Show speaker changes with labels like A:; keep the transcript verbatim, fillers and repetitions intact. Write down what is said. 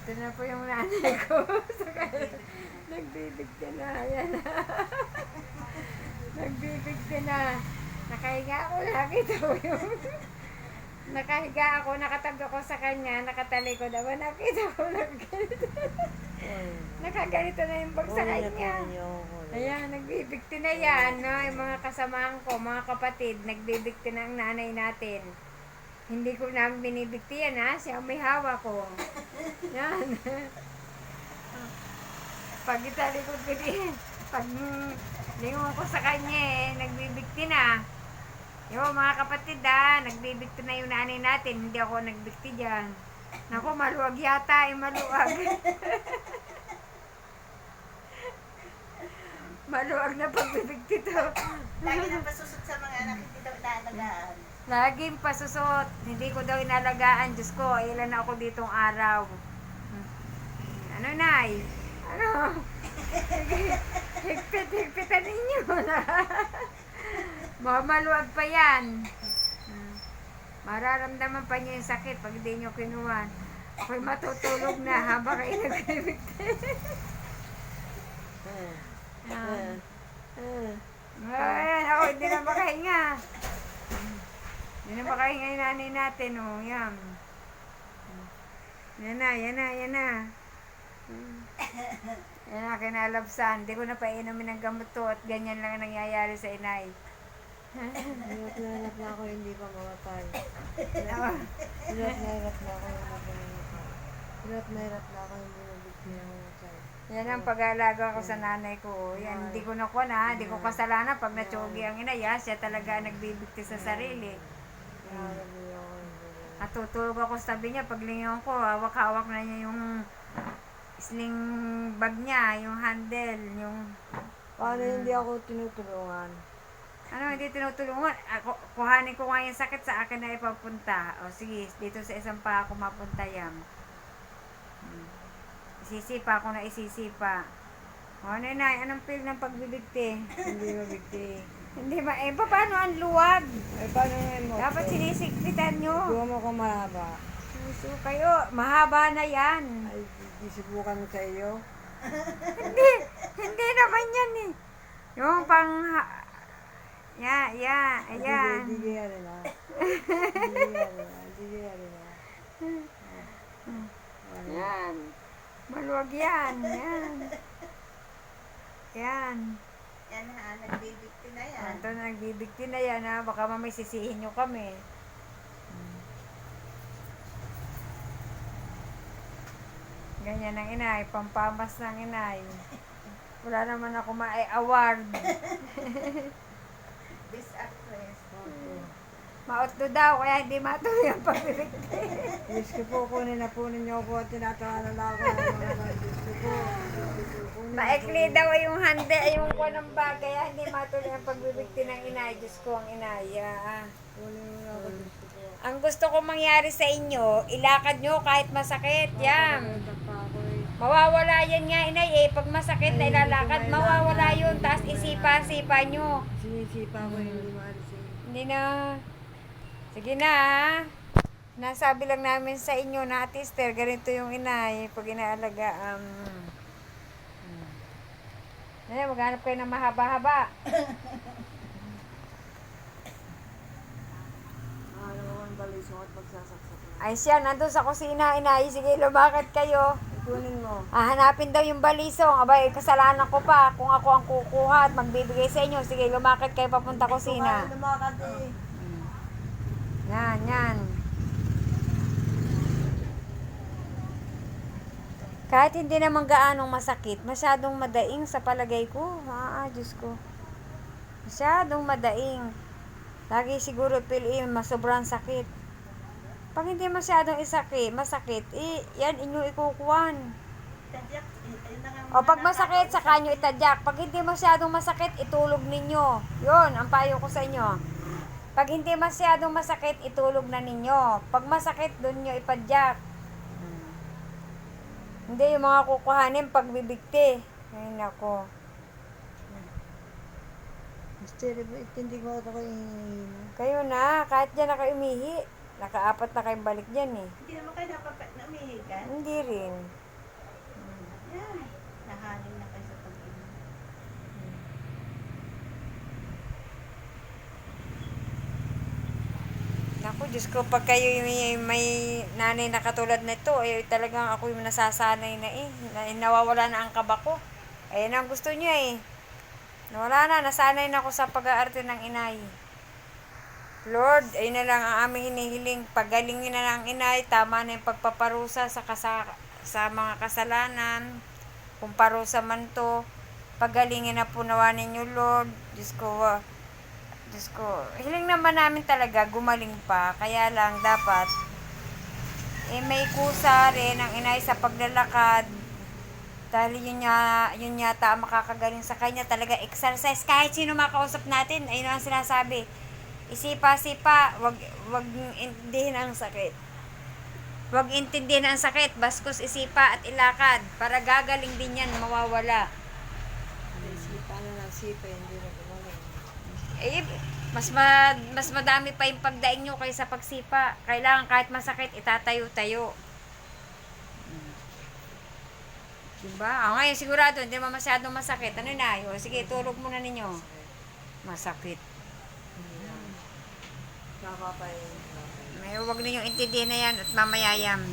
A: Ito na po yung nanay ko. Nagbibigti na. Ayan na. Nagbibigti na. Nakahiga ako. Nakita ko yung... Nakahiga ako. Nakatabi ako sa kanya. Nakatalikod ako. Nakita ko. Nagganito. Nakaganito na yung bag sa kanya. Ayan. Nagbibigti na yan. No? Yung mga kasamahan ko, mga kapatid. Nagbibigti na ang nanay natin. Hindi ko na binibigti yan, ha? Siya ang may hawak ko. Yan. Pag italikod ko din, pag lingon ko sa kanya eh, nagbibigti na. Yo, mga kapatid ha, nagbibigti na yung nanay natin, hindi ako nagbigti dyan. Naku, maluwag yata, eh, maluwag. Maluwag na pagbibigti to.
B: Lagi nang pasusot sa mga anak, hindi daw inaalagaan.
A: Laging pasusot, hindi ko daw inalagaan, Diyos ko, ilan na ako ditong araw. Ano, Nay? Ano? Higpit, higpitan ninyo na. Mamaluwag pa yan. Mararamdaman pa niyo yung sakit pag hindi niyo kinuha. Ako'y matutulog na habang kayo nagbibigti. Ayan. Ayan, ako hindi na makahinga. Hindi na makahinga yung nanay natin, oh. Yan. Yan na, yan na, yan na. Yan na, kinalabsan. Hindi ko na painumin ng gamot to at ganyan lang ang nangyayari sa inay.
C: Hirap na hirap na ako hindi pa mamatay. Hirap na hirap na ako hindi pa mamatay. Hirap na hirap na ako hindi mabigti na mamatay.
A: Yan ang pag-aalaga ko sa nanay ko. Yan, hindi ko nakuha na, hindi ko kasalanan pag natsugi ang inay. Ha? Siya talaga nagbibigti sa sarili. At tutulog ako sa tabi niya, paglingon ko, hawak-hawak na niya yung sling bag niya, yung handle, yung...
C: Paano hindi ako tinutulungan?
A: Ano, hindi tinutulungan. Ako, kuhanin ko nga yung sakit sa akin na ipapunta. O sige, dito sa isang pa ako mapunta yan. Hmm. Isisipa ako na isisipa. O ano na, anong feel ng pagbibigti?
C: Hindi mabigti.
A: Hindi ba, eh, paano ang luwag?
C: Ay, paano ngayon mo?
A: Dapat sinisigpitan nyo.
C: Gawa mo ko mahaba.
A: So, kayo, mahaba na yan.
C: Ay, subukan mo sa iyo.
A: Hindi, hindi naman yan eh. Yung pang, ya, ya, ayan.
C: Hindi kaya rin ha. Hindi kaya rin ha. Hindi kaya rin ha.
A: Yan. Maluwag yan. Yan. Yan.
B: Yan ha, nagbibigti na yan.
A: Ito na, nagbibigti na yan ha. Baka mamay sisihin nyo kami. Ganyan ang inay, pampamas ng inay. Wala naman ako ma-award.
B: Best actress.
A: Maotdo daw, kaya hindi matuloy ang pagbibigti.
C: Diyos ko po, kunin na po ninyo po at tinatawanan na ako ng mga mga Diyos ko po. Kunin na
A: Maikli
C: po.
A: daw yung hande, yung kuha ng bagay, kaya hindi matuloy ang pagbibigti ng inay. Diyos ko ang inay. Ah.
C: Kunin mo na ako, Diyos ko po.
A: Ang gusto kong mangyari sa inyo, ilakad nyo kahit masakit. Yan.
C: Nakakalimutan pa ako eh.
A: Mawawala yan nga inay eh. Pag masakit na ilalakad, mawawala yun. Tapos isipa-sipa nyo.
C: Sinisipa ko hindi maalis eh.
A: Hindi na. Sige na ha. Nasabi lang namin sa inyo na Tister, ganito yung inay. Pag inaalaga, um... Ayan, maghanap kayo ng mahaba-haba.
C: Ano ko ang balisong at magsasaksak na.
A: Ay siya, nandun sa kusina, inay. Sige, lumakad kayo.
C: Kunin mo.
A: Ah, hanapin daw yung balisong. Abay, kasalanan ko pa. Kung ako ang kukuha at magbibigay sa inyo. Sige, lumakad kayo papunta kusina.
C: Kaya lumakad eh.
A: Yan, yan. Kahit hindi naman gaanong masakit, masyadong madaing sa palagay ko. Ah, Diyos ko. Masyadong madaing. Lagi siguro piliin, masobrang sakit. Pag hindi masyadong isakit, masakit, eh, yan inyo ikukuhan.
B: Tadyak, eh, ayun na nga
A: O
B: mga
A: pag masakit,
B: nakakausap.
A: saka nyo itadyak. Pag hindi masyadong masakit, itulog ninyo. Yun, ang payo ko sa inyo. Pag hindi masyadong masakit, itulog na ninyo. Pag masakit, dun nyo ipadyak. Hindi yung mga kukuhanin pagbibigti. Ay, nako.
C: Mister, hindi ko ito ko yung
A: Kayo na, kahit dyan na kayo umihi. Nakaapat na kayong balik dyan eh.
B: Hindi naman kayo dapat na umihigan.
A: Hindi rin.
B: Yan. Nahanin na kayo sa pag-inom.
A: Naku, Diyos ko, pag kayo may, may nanay na katulad nito, eh, talagang ako yung nasasanay na eh. Na, nawawala na ang kaba ko. Ayan ang gusto niya eh. Nawala na, nasanay na ako sa pag-aarte ng inay. Lord, ayun na lang ang aming hinihiling. Pagalingin na ng inay, tama na yung pagpaparusa sa, kasa, sa mga kasalanan. Kung parusa man to, pagalingin na po nawa ninyo, Lord. Diyos ko, ah, Diyos ko, hiling naman namin talaga, gumaling pa. Kaya lang, dapat, eh, may kusa rin ang inay sa paglalakad. Dahil yun, niya, yun yata ang makakagaling sa kanya. Talaga exercise. Kahit sino makausap natin, ayun ang sinasabi. Isipa-sipa, wag, wag intindihin ang sakit. Wag intindihin ang sakit. Bastos isipa at ilakad. Para gagaling din yan, mawawala.
C: Sipa na lang sipa, hindi na gumaling.
A: Eh, mas, ma, mas madami pa yung pagdaing nyo kaysa pagsipa. Kailangan kahit masakit, itatayo-tayo. Diba? Ah, ngayon sigurado, hindi naman masyadong masakit. Ano na? O, sige, tulog muna ninyo. Masakit.
C: Nakapapay.
A: May huwag ninyong intindihin na yan at mamayayam.